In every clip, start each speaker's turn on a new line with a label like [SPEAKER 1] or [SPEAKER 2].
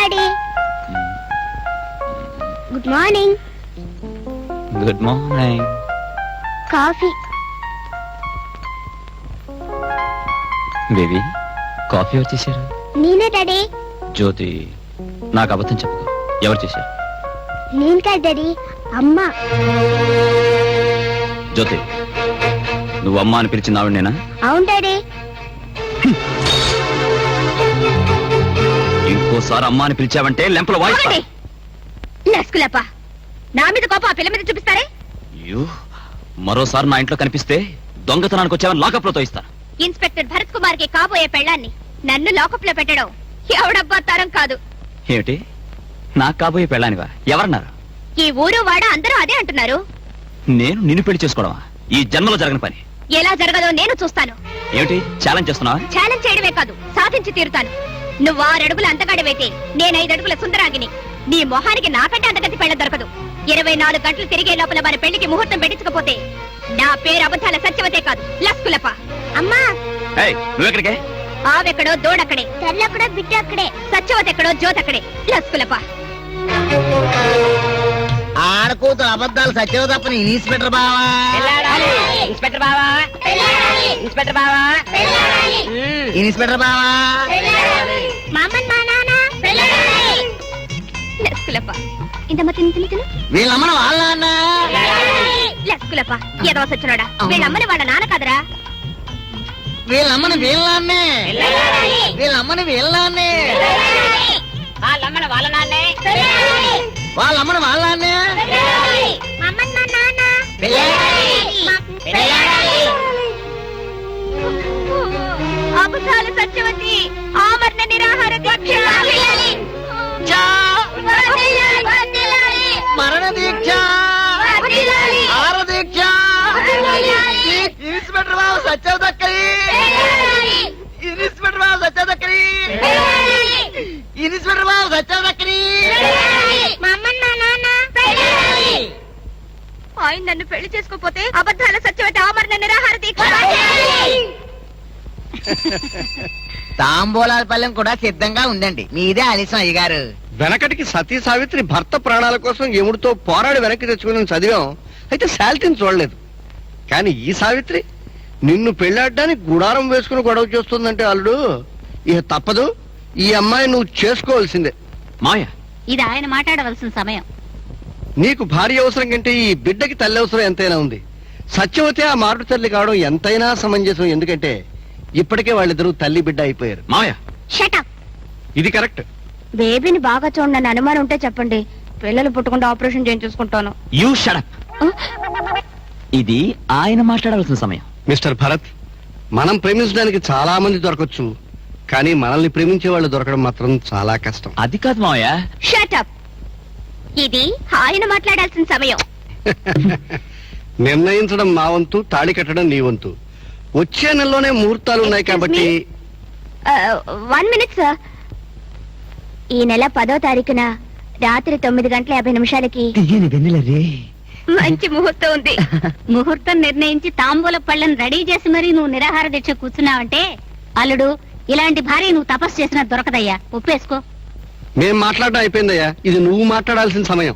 [SPEAKER 1] Daddy. Good morning.
[SPEAKER 2] Good morning.
[SPEAKER 1] Coffee.
[SPEAKER 2] Baby coffee ఎవరు చేశారు?
[SPEAKER 1] నేనే డాడీ.
[SPEAKER 2] జ్యోతి నాకు అబద్ధం చెప్పు, ఎవరు చేశారు?
[SPEAKER 1] నేను కాదు డాడీ, అమ్మ.
[SPEAKER 2] జ్యోతి నువ్వు అమ్మ అని పిలిచినావు నేనా?
[SPEAKER 1] అవును డాడీ.
[SPEAKER 2] ఇంకోసారి అమ్మ అని పిలిచావంటే లెంపల వాయిస్.
[SPEAKER 3] లస్కులప్ప, నా మీద కోపం ఆ పిల్ల మీద చూపిస్తారే?
[SPEAKER 2] మరోసారి నా ఇంట్లో కనిపిస్తే దొంగతనానికి వచ్చావని లాకప్ లో తోయిస్తాను.
[SPEAKER 3] ఇన్స్పెక్టర్ భరత్ కుమార్ కి కాబోయే పెళ్ళాన్ని నన్ను లాకప్ లో పెట్టడం ఎవడబ్బా తరం కాదు.
[SPEAKER 2] ఏమిటి నాకు కాబోయే పెళ్ళానివా? ఎవరన్నారు?
[SPEAKER 3] ఈ ఊరు వాడ అందరూ అదే అంటున్నారు.
[SPEAKER 2] నేను నిన్ను పెళ్లి చేసుకోవడమా? ఈ జన్మలో జరగని పని.
[SPEAKER 3] ఎలా జరగదో నేను చూస్తాను.
[SPEAKER 2] ఏమిటి ఛాలెంజ్ చేస్తున్నావా?
[SPEAKER 3] ఛాలెంజ్ చేయడమే కాదు, సాధించి తీరుతాను. నువ్వు 6 అడుగుల అంతగాడివైతే నేను 5 అడుగుల సుందరాగిని. నీ మొహానికి నాకంటే అంతగతి పెళ్ళ దొరకదు. 24 గంటలు తిరిగే లోపల మన పెళ్లికి ముహూర్తం పెట్టించకపోతే నా పేరు అబద్ధాల సత్యవతే కాదు, లస్కులప్ప.
[SPEAKER 1] అమ్మా.
[SPEAKER 2] నువ్వెక్కడికే?
[SPEAKER 3] ఆవెక్కడో దోడక్కడే,
[SPEAKER 1] తెల్లక్కడో బిడ్డ అక్కడే,
[SPEAKER 3] సత్యవతి ఎక్కడో జ్యోతక్కడే, లస్కులప్ప.
[SPEAKER 4] ఆడకూతురు అబద్ధాలు సత్యవ తప్పని ఇన్స్పెక్టర్ బావా.
[SPEAKER 3] ఇన్స్పెక్టర్ బావా, ఇన్స్పెక్టర్ బావా,
[SPEAKER 4] ఇన్స్పెక్టర్ బావా.
[SPEAKER 3] లస్కులప్ప. ఇంతమ్మ తిను తిను తిను.
[SPEAKER 4] వీళ్ళమ్మన వాళ్ళ నాన్న.
[SPEAKER 3] లస్కులప్ప ఏదో సచ్చినోడా, వీళ్ళమ్మని వాళ్ళ నాన్న కాదరా.
[SPEAKER 4] వీళ్ళమ్మని వీళ్ళ నాన్నే. వీళ్ళమ్మని వీళ్ళ నాన్నే.
[SPEAKER 3] వాళ్ళమ్మని వాళ్ళ నాన్నే.
[SPEAKER 4] వాళ్ళమ్మని వాళ్ళ నాన్నే.
[SPEAKER 3] అబద్ధాల సత్యవతి ఆమరణ నిరాహార దీక్ష.
[SPEAKER 4] మరణ దీక్ష. ఆర దీక్ష. ఇన్స్పెక్టర్ బాబు సత్యవ దక్కరి. ఇన్స్పెక్టర్ బాబు సత్యవ దక్కరి. ఇన్స్పెక్టర్ బాబు సత్యవ దక్కరి.
[SPEAKER 3] ఆయన నన్ను పెళ్లి చేసుకోపోతే అబద్ధాల సత్యవతి ఆమరణ నిరాహార దీక్ష.
[SPEAKER 4] తాంబూలాల పల్లెం కూడా సిద్ధంగా ఉందండి. మీదే ఆలస్యం అయ్యగారు.
[SPEAKER 5] వెనకటికి సతీ సావిత్రి భర్త ప్రాణాల కోసం యముడితో పోరాడి వెనక్కి తెచ్చుకుని చదివాం. అయితే శాలిటీని చూడలేదు. కానీ ఈ సావిత్రి నిన్ను పెళ్లాడడానికి గుడారం వేసుకుని గొడవ చేస్తుందంటే అల్లుడు ఇక తప్పదు. ఈ అమ్మాయి నువ్వు చేసుకోవాల్సిందే.
[SPEAKER 2] మాయ
[SPEAKER 3] ఇది ఆయన మాట్లాడవలసిన సమయం.
[SPEAKER 5] నీకు భార్య అవసరం కంటే ఈ బిడ్డకి తల్లి అవసరం ఎంతైనా ఉంది. సత్యవతి ఆ మారుడు తల్లి కావడం ఎంతైనా సమంజసం. ఎందుకంటే ఇప్పటికే వాళ్ళిద్దరూ తల్లి బిడ్డ అయిపోయారు.
[SPEAKER 2] మాయ
[SPEAKER 3] షటప్.
[SPEAKER 5] ఇది కరెక్ట్.
[SPEAKER 3] బేబీని బాగా చూడండి, అనుమానం ఉంటే చెప్పండి. పిల్లలు పుట్టకుండా ఆపరేషన్ చేయించుకుంటాను.
[SPEAKER 2] You shut up. ఇది ఆయన మాట్లాడవలసిన సమయం.
[SPEAKER 5] మిస్టర్ భరత్, మనం ప్రేమించడానికి చాలా మంది దొరకచ్చు, కానీ మనల్ని ప్రేమించే వాళ్ళు దొరకడం మాత్రం చాలా కష్టం.
[SPEAKER 2] అది కాదు మావయ్య.
[SPEAKER 3] షటప్. ఇది ఆయన మాట్లాడాల్సిన సమయం.
[SPEAKER 5] నిర్ణయించడం మా వంతు, తాళి కట్టడం నీ వంతు. వచ్చే నెలలోనే ముహూర్తాలు ఉన్నాయి కాబట్టి
[SPEAKER 3] 1 minute సార్. ఈ నెల 10వ తారీఖున రాత్రి 9:50 మంచి ముహూర్తం ఉంది. ముహూర్తం నిర్ణయించి తాంబూల పళ్ళను రెడీ చేసి మరీ నువ్వు నిరాహార దీక్ష కూర్చున్నావంటే అల్లుడు, ఇలాంటి భార్య నువ్వు తపస్సు చేసినా దొరకదయ్యా. ఒప్పేసుకో.
[SPEAKER 5] మేం మాట్లాడడం అయిపోయిందయ్యా. ఇది నువ్వు మాట్లాడాల్సిన సమయం.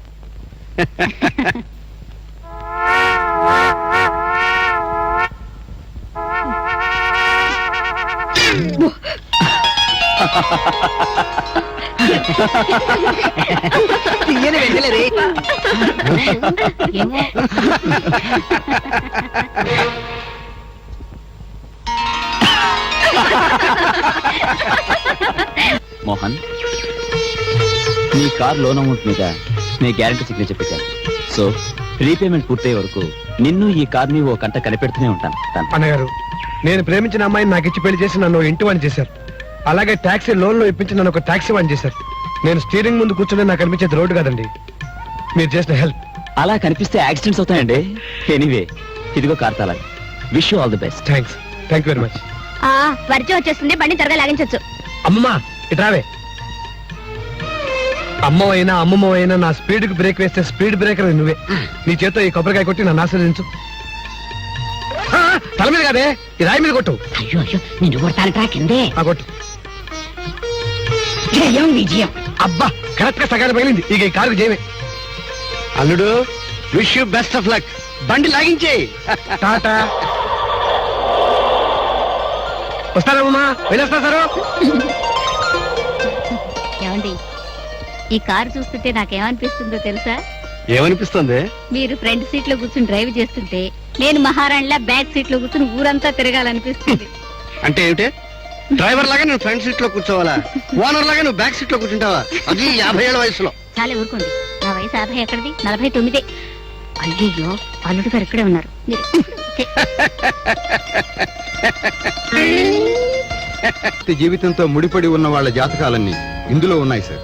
[SPEAKER 2] మోహన్, నీ కార్ లోన్ అమౌంట్ మీద నీ గ్యారంటీ సిగ్నేచర్ పెట్టాను. సో రీపేమెంట్ పూర్తయ్యే వరకు నిన్ను ఈ కార్ ని ఓ కంట కనిపెడుతూనే ఉంటాను.
[SPEAKER 6] అన్నగారు, నేను ప్రేమించిన అమ్మాయిని నాకు ఇచ్చి పెళ్లి చేసి నన్ను ఇంటి వాణి చేశారు. అలాగే టాక్సీ లోన్ లో ఇప్పించి నన్ను ఒక టాక్సీ వాణి చేశారు. నేను స్టీరింగ్ ముందు కూర్చుని నాకు అనిపించేది రోడ్డు కాదండి. మీరు చేసిన హెల్ప్.
[SPEAKER 2] అలా కనిపిస్తే యాక్సిడెంట్స్ అవుతాయండి. ఎనీవే, ఇదిగో కార్ తాళాలు. Wish you all the best.
[SPEAKER 6] Thanks very much.
[SPEAKER 3] వర్జం వచ్చేస్తుంది, బండి త్వరగా లాగించొచ్చు.
[SPEAKER 6] అమ్మమ్మా ఇట్రావే. అమ్మవైనా అమ్మమ్మవైనా నా స్పీడ్ కి బ్రేక్ వేస్తే స్పీడ్ బ్రేకర్ నువ్వే. నీ చేత్తో ఈ కొబ్బరికాయ కొట్టి నన్ను ఆశీర్వదించు. తల మీద కాదే, ఈ రాయి మీద కొట్టు.
[SPEAKER 3] అయ్యో అయ్యో, నేను కొడతాను కిందే.
[SPEAKER 6] కొట్టు.
[SPEAKER 7] జయం విజయం.
[SPEAKER 6] అబ్బా కరెక్ట్ గా సగాలు పగిలింది. ఇక ఈ కారు జయమే.
[SPEAKER 5] అల్లుడు wish you best of luck. బండి లాగించే.
[SPEAKER 6] టాటా. వస్తారమ్మా, వెళ్ళొస్తా సారు.
[SPEAKER 3] ఏమండి, ఈ కారు చూస్తుంటే నాకేమనిపిస్తుందో తెలుసా?
[SPEAKER 5] ఏమనిపిస్తుంది?
[SPEAKER 3] మీరు ఫ్రంట్ సీట్ లో కూర్చుని డ్రైవ్ చేస్తుంటే నేను మహారాణిలా బ్యాక్ సీట్ లో కూర్చుని ఊరంతా తిరగాలనిపిస్తుంది.
[SPEAKER 5] అంటే ఏమిటి? డ్రైవర్ లాగా నేను ఫ్రంట్ సీట్ లో కూర్చోవాలా? ఓనర్ లాగా నువ్వు బ్యాక్ సీట్ లో కూర్చుంటావా? అది 50 ఏళ్ల వయసులో.
[SPEAKER 3] చాలా ఊరుకోండి, నా వయసు 50 ఎక్కడిది, 49. అయ్యో, అల్లుడు గారు ఇక్కడే ఉన్నారు. మీరు
[SPEAKER 8] జీవితంతో ముడిపడి ఉన్న వాళ్ళ జాతకాలన్నీ ఇందులో ఉన్నాయి సార్.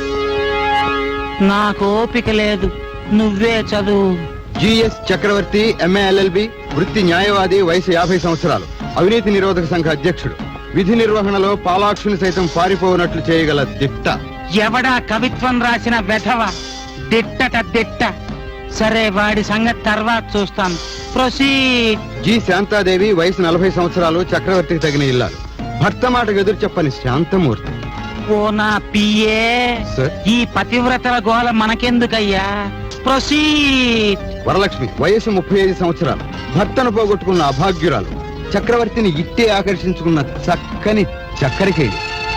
[SPEAKER 7] నాకు ఓపిక లేదు, నువ్వే చదువు.
[SPEAKER 8] జిఎస్ చక్రవర్తి, ఎంఏ ఎల్ఎల్బి, వృత్తి న్యాయవాది, వయసు 50 సంవత్సరాలు, అవినీతి నిరోధక సంఘ అధ్యక్షుడు, విధి నిర్వహణలో పాలాక్షుని సైతం పారిపోనట్లు చేయగల దిట్ట.
[SPEAKER 7] ఎవడా కవిత్వం రాసిన వెధవ? దిట్టట దిట్ట. సరే, వాడి సంగతి తర్వాత చూస్తాను. ప్రొసీడ్.
[SPEAKER 8] జి శాంతాదేవి, వయసు 40 సంవత్సరాలు, చక్రవర్తికి తగిన ఇల్లాలు, భర్త మాటకు ఎదురు చెప్పని శాంతమూర్తి.
[SPEAKER 7] ఓ నా పిఏ,
[SPEAKER 8] సార్.
[SPEAKER 7] ఈ పతివ్రతల గోల మనకెందుకయ్యా? ప్రొసీడ్.
[SPEAKER 8] వరలక్ష్మి, వయసు 35 సంవత్సరాలు, భర్తను పోగొట్టుకున్న అభాగ్యురాలు, చక్రవర్తిని ఇట్టే ఆకర్షించుకున్న చక్కని చక్కరికేడి.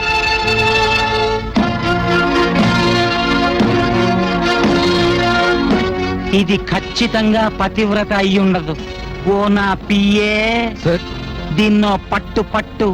[SPEAKER 7] ఇది ఖచ్చితంగా పతివ్రత అయ్యుండదు. ఓ నా పిఏ,
[SPEAKER 8] సార్.
[SPEAKER 7] దీన్నో పట్టు పట్టు.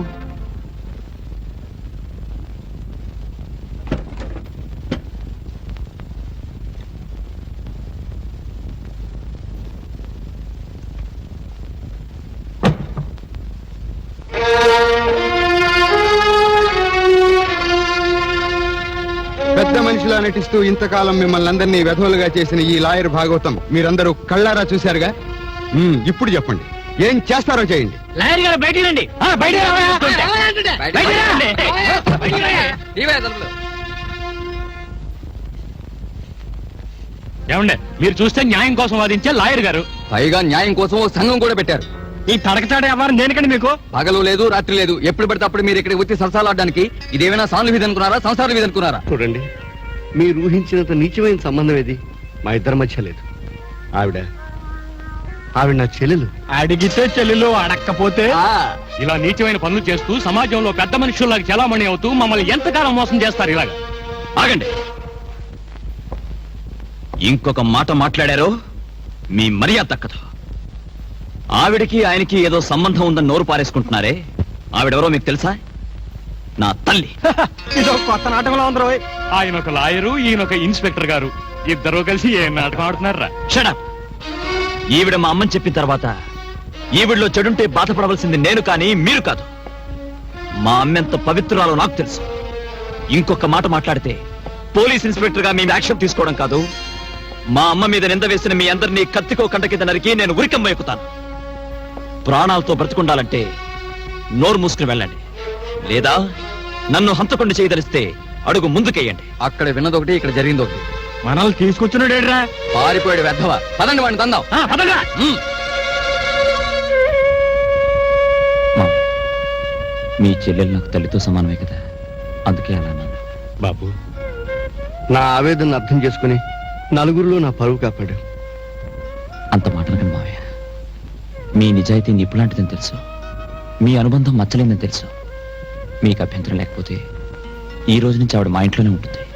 [SPEAKER 8] పెద్ద మనిషిలా నటిస్తూ ఇంతకాలం మిమ్మల్ని అందరినీ వెధవులుగా చేసిన ఈ లాయర్ భాగవతం మీరందరూ కళ్ళారా చూశారుగా. ఇప్పుడు చెప్పండి, ఏం చేస్తారో చేయండి.
[SPEAKER 7] లాయర్ గారు బయటికి రండి.
[SPEAKER 2] ఏమండే, మీరు చూస్తే న్యాయం కోసం వాదించే లాయర్ గారు,
[SPEAKER 8] పైగా న్యాయం కోసం ఓ సంఘం కూడా పెట్టారు.
[SPEAKER 2] ఈ తడకతాడే వ్యవహారం దేనికండి మీకు?
[SPEAKER 8] పగలు లేదు, రాత్రి లేదు, ఎప్పుడు పడితే అప్పుడు మీరు ఇక్కడ వచ్చి సరసాలాడడానికి ఇదేమైనా సానుల వీధి అనుకున్నారా, సంసార వీధి అనుకున్నారా?
[SPEAKER 5] చూడండి, మీరు ఊహించినంత నీచమైన సంబంధం ఏది మా ఇద్దరి మధ్య లేదు. ఆవిడ నా చెల్లెలు.
[SPEAKER 2] అడిగితే చెల్లెలు, అడక్కపోతే ఇలా నీచమైన పనులు చేస్తూ సమాజంలో పెద్ద మనుషుల్లాగా చలామణి అవుతూ మమ్మల్ని ఎంతకాలం మోసం చేస్తారు? ఇలాగా ఆగండి. ఇంకొక మాట మాట్లాడారో మీ మర్యాద దక్కదు. ఆవిడకి ఆయనకి ఏదో సంబంధం ఉందని నోరు పారేసుకుంటున్నారే, ఆవిడెవరో మీకు తెలుసా? నా తల్లి.
[SPEAKER 6] ఇదో కొత్త నాటకంలో ఉందరో.
[SPEAKER 2] ఆయన ఒక లాయరు, ఈయన ఒక ఇన్స్పెక్టర్ గారు, ఇద్దరు కలిసి ఏ నాటకం ఆడుతున్నారా? షడప్. ఈవిడ మా అమ్మని చెప్పిన తర్వాత ఈవిడలో చెడుంటే బాధపడవలసింది నేను కానీ మీరు కాదు. మా అమ్మెంత పవిత్రురాలో నాకు తెలుసు. ఇంకొక మాట మాట్లాడితే పోలీస్ ఇన్స్పెక్టర్ గా మేము యాక్షన్ తీసుకోవడం కాదు, మా అమ్మ మీద నింద వేసిన మీ అందరినీ కత్తికో కంట కింద నరికి నేను ఉరికమ్మ ఎక్కుతాను. ప్రాణాలతో బ్రతుకుండాలంటే నోరు మూసుకుని వెళ్ళండి, లేదా నన్ను హంతకుండా చేయదలిస్తే అడుగు ముందుకేయండి.
[SPEAKER 8] అక్కడ విన్నదొకటి, ఇక్కడ జరిగింది ఒకటి.
[SPEAKER 2] మనల్ని తీసుకొచ్చినడేడ్రా?
[SPEAKER 8] పారిపోయాడు వెధవ. పదండి వాడిని తందాం.
[SPEAKER 2] మీ చెల్లెలు నాకు తల్లితో సమానమే కదా, అందుకే అలా అన్నాను.
[SPEAKER 5] బాబు, నా ఆవేదన అర్థం చేసుకుని నలుగురిలో నా పరువు కాపాడు.
[SPEAKER 2] అంత మాటనకండి మావయ్య. మీ నిజాయితీ నిప్పులాంటిదని తెలుసు, మీ అనుబంధం మచ్చలేదని తెలుసు. మీకు అభ్యంతరం లేకపోతే ఈ రోజు నుంచి ఆవిడ మా ఇంట్లోనే ఉంటుంది.